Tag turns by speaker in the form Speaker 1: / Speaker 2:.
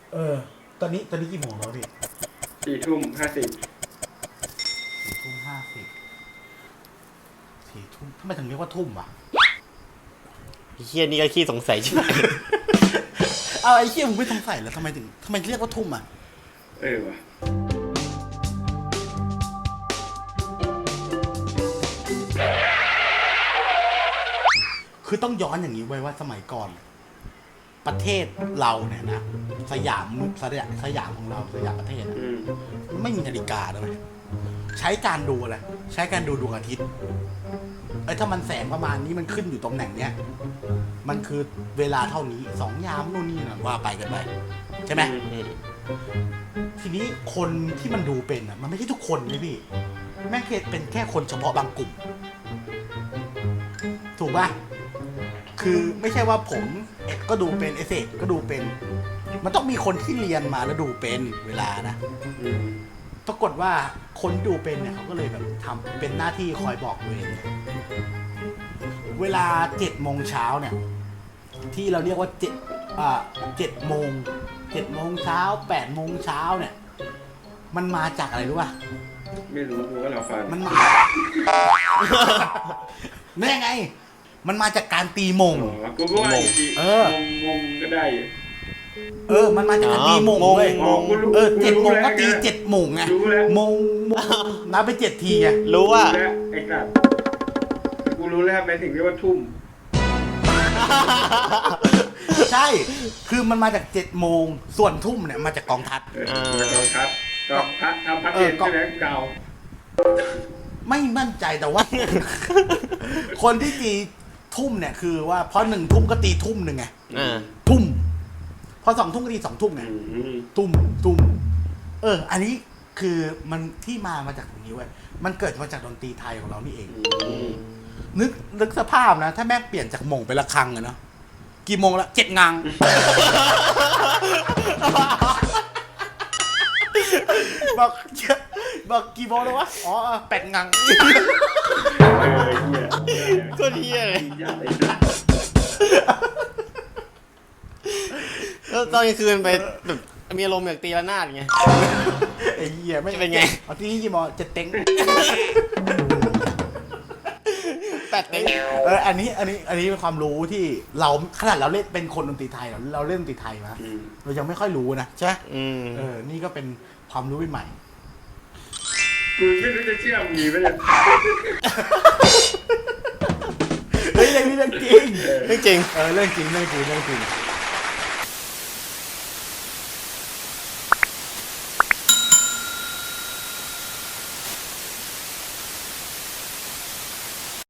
Speaker 1: เออตอนนี้กี่โมงแล้วพี่
Speaker 2: 4:50
Speaker 1: 4:50ทำไมถึงเรียกว่าทุ่มวะ
Speaker 3: เฮียนี่ก็ขี้สงสัยใช่ไหม
Speaker 1: เอาไอ้เหี้ยมึงไม่สงสัยแล้วทำไมเรียกว่าทุ่มอ่ะ
Speaker 2: ว่ะ
Speaker 1: คือต้องย้อนอย่างนี้ไว้ว่าสมัยก่อน ประเทศเราเนี่ยนะสยามของเราสยามประเทศนะไม่มีนาฬิกาเลยใช้การดูอะไรใช้การดูดวงอาทิตย์ถ้ามันแสงประมาณนี้มันขึ้นอยู่ตำแหน่งเนี้ยมันคือเวลาเท่านี้2 ยามนู่นนี่นั่นว่าไปกันไปใช่ไหมทีนี้คนที่มันดูเป็นอ่ะมันไม่ใช่ทุกคนเลยพี่แม่งเป็นแค่คนเฉพาะบางกลุ่มถูกป่ะคือไม่ใช่ว่าผมก็ดูเป็นเอเซก็ดูเป็นมันต้องมีคนที่เรียนมาแล้วดูเป็นเวลานะปรากฏว่าคนดูเป็นเนี่ยเขาก็เลยแบบทำเป็นหน้าที่คอยบอกตัวเองเวลา7 โมงเช้าเนี่ยที่เราเรียกว่า7 โมงเช้า8 โมงเช้าเนี่ยมันมาจากอะไรรู้ป่ะ
Speaker 2: ไม่รู้กูก็เราฟัง
Speaker 1: มันมาแน่ไงมันมาจากการตีมง
Speaker 2: กูก็ว่าอีกมงก็ได้
Speaker 1: มันมาจากการตีมงเลย7 โมงก็ตี7 โมงไงมงนับไป7 ทีไง
Speaker 3: รู้ว่า
Speaker 2: ไอ้สัตว์กูรู้แล้วในสิ่งที่ว่าทุ่ม
Speaker 1: ใช่คือมันมาจาก7 โมงส่วนทุ่มเนี่ยมาจากกองทัพ
Speaker 2: กองทัพทำพัดเองใช่ไหมเก่า
Speaker 1: ไม่มั่นใจแต่ว่า คนที่ตีทุ่มเนี่ยคือว่าพอ1 ทุ่มก็ตีทุ่มหนึ่งไงทุ่มพอ2 ทุ่มก็ตี2 ทุ่มไงทุ่มอันนี้คือมันที่มาจากตรงนี้เว้ยมันเกิดมาจากดนตรีไทยของเรานี่เองนึกสภาพนะถ้าแม่เปลี่ยนจากหม่งเป็นระฆังอะเนาะกี่โมงละ7 งังบอกกี่โมงแล้ววะอ๋อ8 งัง
Speaker 3: ก็เฮียเลยแล้วตอนกลางคืนไปแบบมีอารมณ์อยากตีระนาดไง
Speaker 1: ไอ้เหี้ยไม่
Speaker 3: เป็นไง
Speaker 1: เอาที่นี่กี่โมง7 เต็ง
Speaker 3: 8 เต็ง
Speaker 1: อันนี้เป็นความรู้ที่เราขนาดเราเล่นเป็นคนดนตรีไทยเราเล่นดนตรีไทยมาเรายังไม่ค่อยรู้นะใช่นี่ก็เป็นความรู้ใหม่
Speaker 2: กูไม่รู้จะเชื่อมีไหมเนี่ย
Speaker 1: เฮ้ยเรื่องนี้เรื่องจริง
Speaker 3: เรื่องจริง
Speaker 1: เรื่องจริง